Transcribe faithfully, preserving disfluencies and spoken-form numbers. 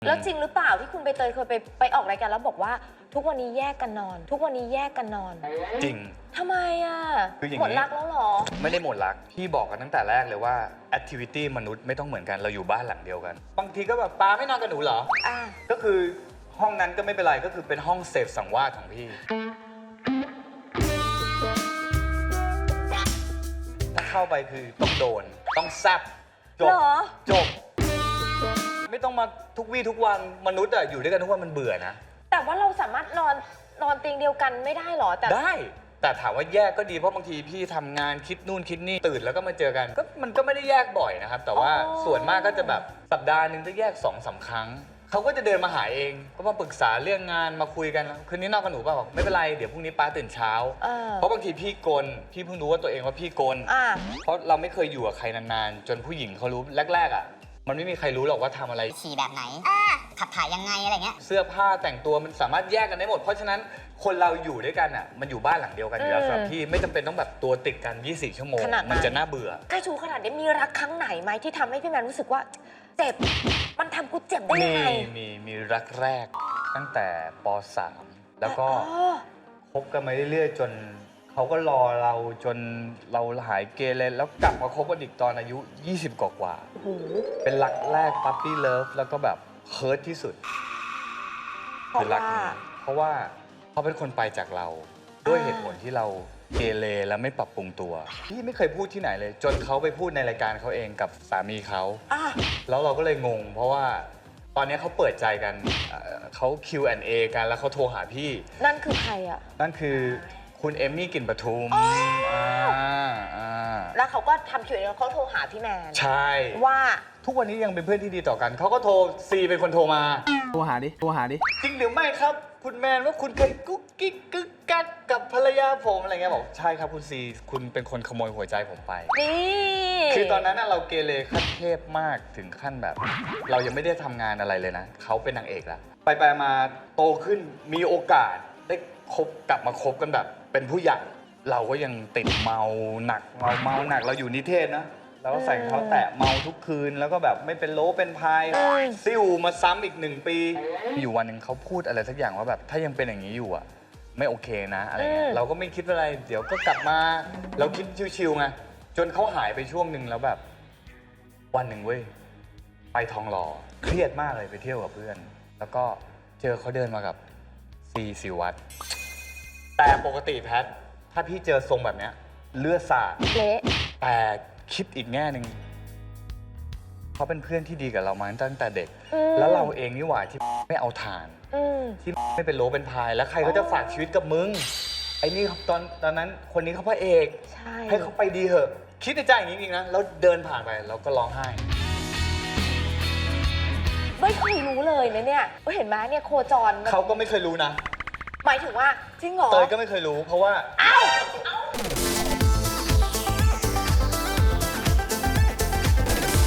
แล้วจริงหรือเปล่าที่คุณใบเตยเคยไปไปออกรายการแล้วบอกว่าทุกวันนี้แยกกันนอน ทุกวันนี้แยกกันนอนจริงทำไมอ่ะหมดรักแล้วหรอไม่ได้หมดรักพี่บอกกันตั้งแต่แรกเลยว่าแอคทิวิตี้มนุษย์ไม่ต้องเหมือนกันเราอยู่บ้านหลังเดียวกันบางทีก็แบบป้าไม่นอนกับหนูเหรออ่าก็คือห้องนั้นก็ไม่เป็นไรก็คือเป็นห้องเสพสังวาสของพี่ถ้าเข้าไปคือต้องโดนต้องแซบจบจบไม่ต้องมาทุกวี่ทุกวันมนุษย์อะอยู่ด้วยกันทุกวันมันเบื่อนะแต่ว่าเราสามารถนอนนอนเตียงเดียวกันไม่ได้หรอแต่ได้แต่ถามว่าแยกก็ดีเพราะบางทีพี่ทำงานคิดนู่นคิดนี่ตื่นแล้วก็มาเจอกันก็มันก็ไม่ได้แยกบ่อยนะครับแต่ว่าส่วนมากก็จะแบบสัปดาห์หนึ่งจะแยกสองสามครั้งเขาก็จะเดินมาหาเองก็มาปรึกษาเรื่องงานมาคุยกันคืนนี้นอนกับหนูเปล่าบอกไม่เป็นไรเดี๋ยวพรุ่งนี้ป้าตื่นเช้าเพราะบางทีพี่กลพี่เพิ่งรู้ว่าตัวเองว่าพี่กลเพราะเราไม่เคยอยู่กับใครนานๆจนผู้หญิงเขารู้แรกๆอ่ะมันไม่มีใครรู้หรอกว่าทำอะไรฉี่แบบไหนขับถ่ายยังไงอะไรเงี้ยเสื้อผ้าแต่งตัวมันสามารถแยกกันได้หมดเพราะฉะนั้นคนเราอยู่ด้วยกันอ่ะมันอยู่บ้านหลังเดียวกันอยู่แล้วสำหรับพี่ไม่จำเป็นต้องแบบตัวติดกันยี่สิบสี่ชั่วโมงมันจะน่าเบื่อใกล้ชูขนาดนี้มีรักครั้งไหนไหมที่ทำให้พี่แมนรู้สึกว่าเจ็บมันทำกูเจ็บได้ยังไงมีมีมีรักแรกตั้งแต่ป สาม แล้วก็คบกันมาเรื่อยๆจนเขาก็รอเราจนเราหายเกเรแล้วกลับมาคบกันอีกตอนอายุยี่สิบกว่าๆเป็นรักแรกปั๊ปปี้เลิฟแล้วก็แบบเฮิร์ทที่สุดคือรักนี้เพราะว่าเขาเป็นคนไปจากเราด้วยเหตุผลที่เราเกเรและไม่ปรับปรุงตัวพี่ไม่เคยพูดที่ไหนเลยจนเขาไปพูดในรายการเขาเองกับสามีเขาแล้วเราก็เลยงงเพราะว่าตอนนี้เขาเปิดใจกันเขา คิว แอนด์ เอ กันแล้วเขาโทรหาพี่นั่นคือใครอ่ะนั่นคือคุณเอมมี่กลิ่นปทุมแล้วเขาก็ทำคิวเองเขาโทรหาพี่แมนใช่ว่าทุกวันนี้ยังเป็นเพื่อนที่ดีต่อกันเขาก็โทรซีเป็นคนโทรมาโทรหาดิโทรหาดิจริงหรือไม่ครับคุณแมนว่าคุณเคยกุ๊กกิ๊กกึกกักกับภรรยาผมอะไรเงี้ยบอกใช่ครับคุณซีคุณเป็นคนขโมยหัวใจผมไปนี่คือตอนนั้นเราเกเรขั้นเทพมากถึงขั้นแบบ เรายังไม่ได้ทำงานอะไรเลยนะเขาเป็นนางเอกแล้วไปไปมาโตขึ้นมีโอกาสได้คบกลับมาคบกันแบบเป็นผู้ใหญ่เราก็ยังติดเมาหนักเมาเมาหนักเราอยู่นิเทศนะเราก็ใส่เขาแตะเมาทุกคืนแล้วก็แบบไม่เป็นโลเป็นพายซิ่วมาซ้ำอีกหนึ่งปีอยู่วันหนึ่งเขาพูดอะไรสักอย่างว่าแบบถ้ายังเป็นอย่างนี้อยู่อ่ะไม่โอเคนะอะไรเงี้ยเราก็ไม่คิดอะไรเดี๋ยวก็กลับมาเราคิดชิวๆไงจนเขาหายไปช่วงหนึ่งแล้วแบบวันหนึ่งเว้ยไปทองหล่อเครียดมากเลยไปเที่ยวกับเพื่อนแล้วก็เจอเขาเดินมากับซีศิวัตรแต่ปกติแพทถ้าพี่เจอทรงแบบเนี้ยเลือดสาดเละแต่คิดอีกแง่หนึ่งเขาเป็นเพื่อนที่ดีกับเรามาตั้งแต่เด็กแล้วเราเองนี่หว่าที่ไม่เอาฐานที่ไม่เป็นโลเป็นพายแล้วใครเขาจะฝากชีวิตกับมึงไอ้นี่ตอนตอนนั้นคนนี้เขาพระเอกให้เขาไปดีเถอะคิดในใจอย่างนี้จริงๆนะแล้วเดินผ่านไปเราก็ร้องไห้ไม่เคยรู้เลยนะเนี่ยเห็นไหมเนี่ยโคจรเขาก็ไม่เคยรู้นะหมายถึงว่าจริงเหรอเตยก็ไม่เคยรู้เพราะว่า